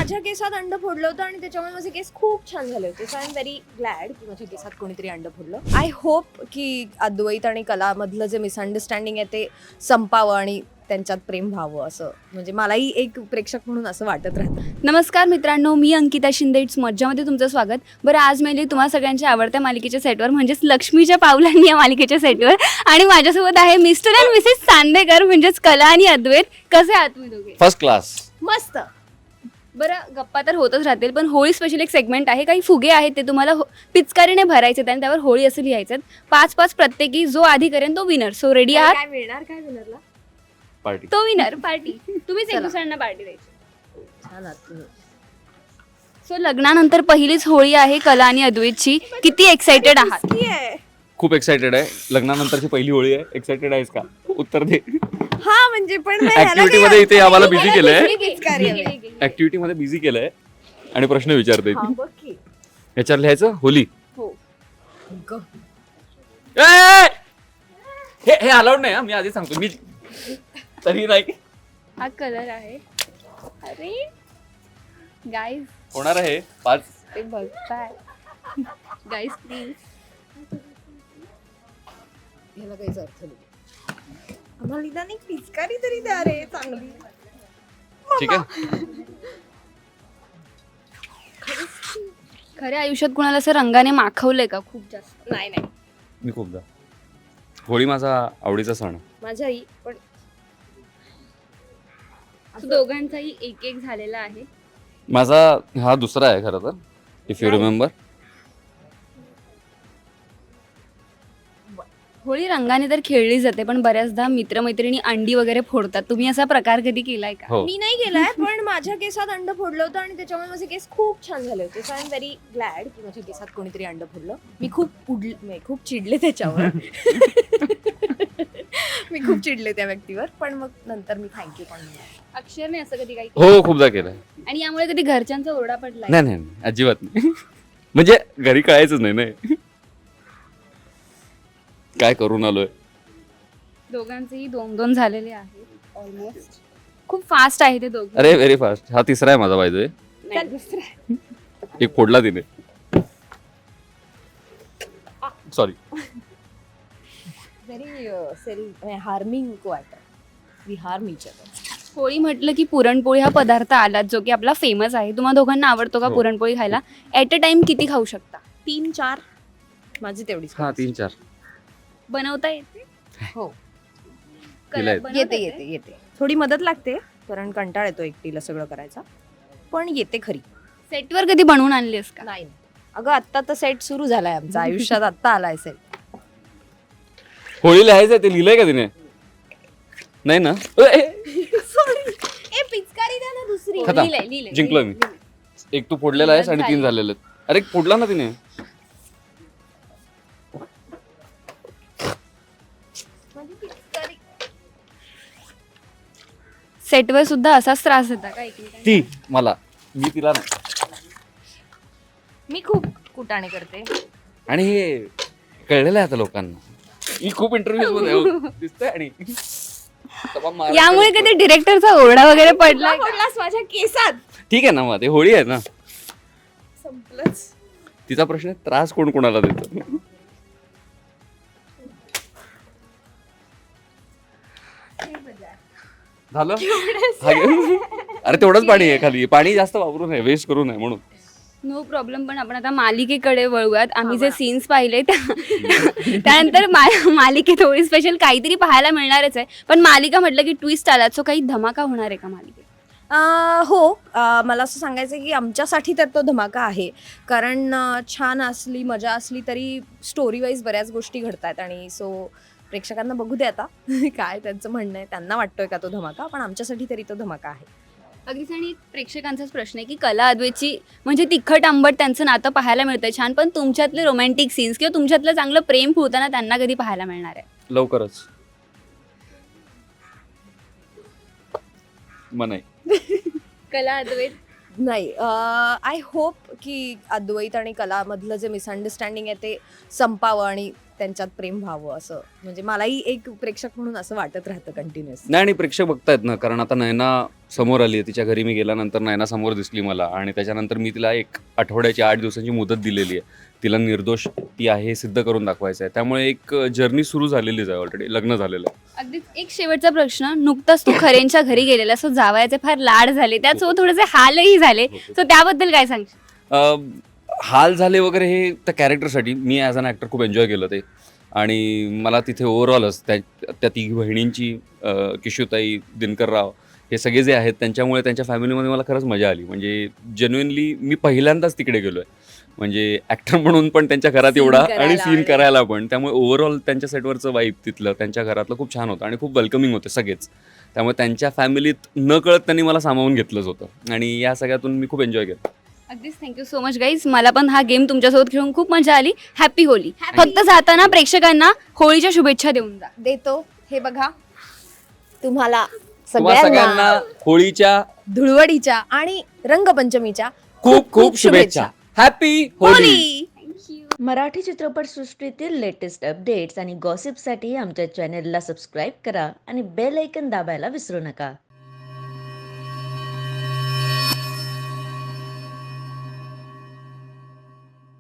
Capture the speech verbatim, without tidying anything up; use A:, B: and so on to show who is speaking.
A: माझ्या केसात अंड फोडलं होतं आणि त्याच्यामुळे माझे केस खूप छान झाले होते. So I am very glad की माझ्या केसात कोणीतरी अंड फोडलं. आय होप की अद्वैत आणि कलामधलं जे मिसअंडरस्टँडिंग आहे ते संपावं आणि त्यांच्यात प्रेम व्हावं, असं म्हणजे मलाही एक प्रेक्षक म्हणून असं वाटत राहतं.
B: नमस्कार मित्रांनो, मी अंकिता शिंदे. इट्स मज्जामध्ये तुमचं स्वागत. बरं, आज मी तुम्हा सगळ्यांच्या आवडत्या मालिकेच्या सेटवर म्हणजेच लक्ष्मीच्या पावलांनी या मालिकेच्या सेटवर, आणि माझ्यासोबत आहे मिस्टर अँड मिसेस चांदेकर म्हणजेच कला आणि अद्वैत. कसे आहात तुम्ही दोघे?
C: First class.
A: मस्त.
B: बरं, गप्पा तर होतच राहतील, पण होळी स्पेशल एक सेगमेंट आहे. काही फुगे आहेत ते तुम्हाला हो- पिचकारीने भरायचे आणि त्यावर होळी असं लिहायचं. पाच पाच प्रत्येकी, जो आधी करेन तो विनर. सो रेडी आहात?
A: काय मिळणार, काय विनरला?
C: पार्टी.
B: तो विनर पार्टी. तुम्हीच एक
A: चला.
B: दुसऱ्यांना पार्टी द्यायची.
A: छान आहात तुम्ही.
B: सो लग्नानंतर पहिलीच होळी आहे कला आणि अद्वैतची. किती एक्साइटेड आहात?
A: की आहे.
C: खूप एक्साइटेड आहे. लग्नानंतरची पहिली होळी आहे. एक्साइटेड आहेस का? उत्तर दे.
A: हा म्हणजे पण मग ह्याला
C: ऍक्टिव्हिटी
A: काही
C: मध्ये इथे आम्हाला
A: अर्थ
C: बिझी
A: नाही.
C: केलंय.
A: पिचकारी आहे.
C: ऍक्टिव्हिटी मध्ये बिझी केलंय आणि प्रश्न विचारते.
A: हा, बघ की.
C: याच्यावर लिहायचं होली.
B: हो.
A: ग.
C: ए! हे हे अलाउड नाही हा, मी आधी सांगतो. मी तरी नाही
B: हा कलर आहे. अरे गाईज,
C: होणार आहे पाच.
B: ते बघताय. Guys please.
A: ह्याला काहीच अर्थ नाही. आम्हाला निदान एक पिचकारी तरी द्या रे चांगली.
C: ठीक आहे.
B: खऱ्या आयुष्यात कुणाला असं रंगाने माखवलंय का खूप जास्त?
A: नाही नाही
C: मी खूपदा. होळी माझा आवडीचा सण आहे.
A: माझ्या आई पण
B: So दोघांचाही एक एक झालेला आहे.
C: माझा हा दुसरा आहे खरं तर, इफ यू रिमेंबर.
B: होळी रंगाने तर खेळली जाते, पण बऱ्याचदा मित्रमैत्रिणी अंडी वगैरे फोडतात. तुम्ही असा प्रकार कधी केलाय का?
C: हो.
A: मी नाही केलाय, पण माझ्या केसात अंड फोडलं होतं आणि त्याच्यामुळे माझे केस खूप छान झाले होते. So I am very glad की माझ्या केसात कोणीतरी अंड फोडलं. मी खूप उडले, मी खूप चिडले त्याच्यावर. मी खूप चिडले त्या व्यक्तीवर, पण मग नंतर मी थँक्यू पण म्हणाले.
B: अक्षरने असं कधी काही केलं?
C: हो, खूपदा केलंय.
B: आणि यामुळे कधी घरच्यांचा ओरडा पडलाय?
C: नाही नाही नाही, अजिबात नाही. म्हणजे घरी कळायचंच नाही नाही काय करून आलोय.
B: दोघांचेही दोन दोन झालेले आहेत ऑलमोस्ट. खूप फास्ट आहे ते दोघं.
C: अरे व्हेरी फास्ट. हा तिसरा आहे माझा पाहिजे.
B: नाही, दुसरा आहे.
C: एक फोडला तिने. Sorry.
A: Very self harming quarter. We harm each other.
B: Holi म्हटलं की पुरणपोळी हा पदार्थ आला, जो की आपला फेमस आहे. तुम्हा दोघांना आवडतो का
C: हो.
B: पुरणपोळी खायला? ऍट अ टाइम किती खाऊ शकता?
A: तीन चार माझी तेवढीच.
C: हा तीन चार.
B: बनवता येते?
A: हो
C: केलंय.
B: कला- बनवता
A: येते येते येते. थोडी मदत लागते कारण कंटाळ येतो एकटीला सगळं करायचा, पण येते खरी.
B: सेटवर कधी बनवून आणलीस का?
A: नाही अगं, आत्ता तर सेट सुरू झालाय आमचा आयुष्यात. आत्ता आलाय सेट.
C: होळी लिहायचंय ते लिहिलंय का तिने? नाही ना. ए,
A: सॉरी. ए पिचकारी द्या ना दुसरी.
C: खतम.
B: लिहिलंय, लिहिलंय,
C: जिंकलोय मी.
B: लिहिलंय.
C: एक तू फोडलेला आहेस आणि तीन झालेले आहेत. अरे फोडला ना तिने.
A: माझी पिचकारी.
B: सेटवर सुद्धा असाच त्रास देता का एकमेकांना?
C: ती मला, मी तिला नाही.
A: मी खूप कुटाणे करते.
C: आणि हे कळलेलं आहे आता लोकांना. मी खूप इंटरव्ह्यूज मध्ये हो, दिसतंय. आणि तबा मारा
B: यामुळे
C: करतो.
B: कधी डिरेक्टरचा ओरडा वगैरे पडला?
A: पडलास माझ्या केसात.
C: ठीक आहे ना, मग ते होळी आहे ना.
A: संपलंच.
C: तिचा प्रश्न आहे, त्रास कोण कोणाला देतो. झालं. हा घे. अरे तेवढंच पाणी आहे खाली. पाणी जास्त वापरू नये, वेस्ट करू नये म्हणून.
B: No problem. पण आपण आता मालिकेकडे वळूयात. आम्ही जे सीन्स पाहिले त्या- त्यानंतर मा- मालिकेत होळी स्पेशल काहीतरी पाहायला मिळणारच आहे. पण मालिका म्हटलं की ट्विस्ट आला, सो काही धमाका होणार आहे का मालिकेत?
A: अं, हो. अं, मला असं सांगायचं आहे की आमच्यासाठी तर तो धमाका आहे. कारण अं, छान असली मजा असली तरी स्टोरी वाईज बऱ्याच गोष्टी घडतात आणि सो प्रेक्षकांना बघू दे आता काय त्यांचं म्हणणं आहे. त्यांना वाटतोय का तो धमाका, पण आमच्यासाठी तरी तो धमाका आहे.
B: अगदीच. आणि एक प्रेक्षकांचाच प्रश्न आहे की कला अद्वैतची म्हणजे तिखट आंबट त्यांचं नातं पाहायला मिळतंय छान, पण तुमच्यातले रोमॅन्टिक सीन्स किंवा तुमच्यातलं चांगलं प्रेम फुलताना त्यांना कधी पाहायला मिळणार आहे?
C: लवकरच. मग नाही.
B: कला अद्वैत
A: नाही, आय होप की अद्वैत आणि कलामधलं जे मिसअंडरस्टँडिंग आहे ते संपावं आणि त्यांच्यात प्रेम व्हावं असं, म्हणजे मलाही एक प्रेक्षक म्हणून असं वाटत राहतं कंटिन्युअस.
C: नाही, आणि प्रेक्षक बघतायत ना, कारण आता नयना समोर आली आहे. तिच्या घरी मी गेल्यानंतर नयना समोर दिसली मला, आणि त्याच्यानंतर मी तिला एक आठवड्याची आठ दिवसांची मुदत दिलेली आहे. तिला निर्दोष ती आहे हे सिद्ध करून दाखवायचं आहे. त्यामुळे एक जर्नी सुरू झालेलीच आहे, ऑलरेडी लग्न झालेलं आहे.
B: अगदीच. एक शेवटचा प्रश्न, नुकताच तू खरेंच्या घरी गेलेला, सो जावयाचे फार लाड झाले, त्यासोबत थोडेसे हालही झाले, सो त्याबद्दल काय सांगशील?
C: अं, हाल झाले वगैरे हे त्या कॅरेक्टरसाठी मी ॲज अन ॲक्टर खूप एन्जॉय केलं ते, आणि मला तिथे ओव्हरऑलच त्या त्या तिघी बहिणींची, अं, किशोताई, दिनकरराव, हे सगळे जे आहेत त्यांच्यामुळे त्यांच्या फॅमिलीमध्ये मला खरंच मजा आली. म्हणजे जेन्युइनली मी पहिल्यांदाच तिकडे गेलो आहे, म्हणजे ॲक्टर म्हणून पण त्यांच्या घरात
A: Scene
C: एवढा,
A: करायला
C: आणि सीन
A: आणि-
C: करायला पण. त्यामुळे ओव्हरऑल त्यांच्या सेटवरचं वाईब तिथलं त्यांच्या घरातलं खूप छान होतं, आणि खूप वेलकमिंग होते सगळेच. त्यामुळे त्यांच्या फॅमिलीत न कळत त्यांनी मला सामावून घेतलंच होतं, आणि या सगळ्यातून मी खूप एन्जॉय केलं.
B: अगदीच. Thank you so much guys. मला पण हा गेम तुमच्यासोबत खेळून खूप मजा आली. हॅपी होली. फक्त जाताना प्रेक्षकांना होळीच्या शुभेच्छा देऊन जा.
A: देतो. हे बघा, तुम्हाला
C: तुम्हा
A: सगळ्यांना
C: सगळ्यांना होळीच्या
A: धुळवडीच्या आणि रंगपंचमीच्या
C: खूप खूप शुभेच्छा. Happy Holy.
A: होली.
D: मराठी चित्रपटसृष्टीतील लेटेस्ट अपडेट्स आणि गॉसिपसाठी आमच्या चॅनेलला सबस्क्राईब करा आणि बेल ऐकन दाबायला विसरू नका.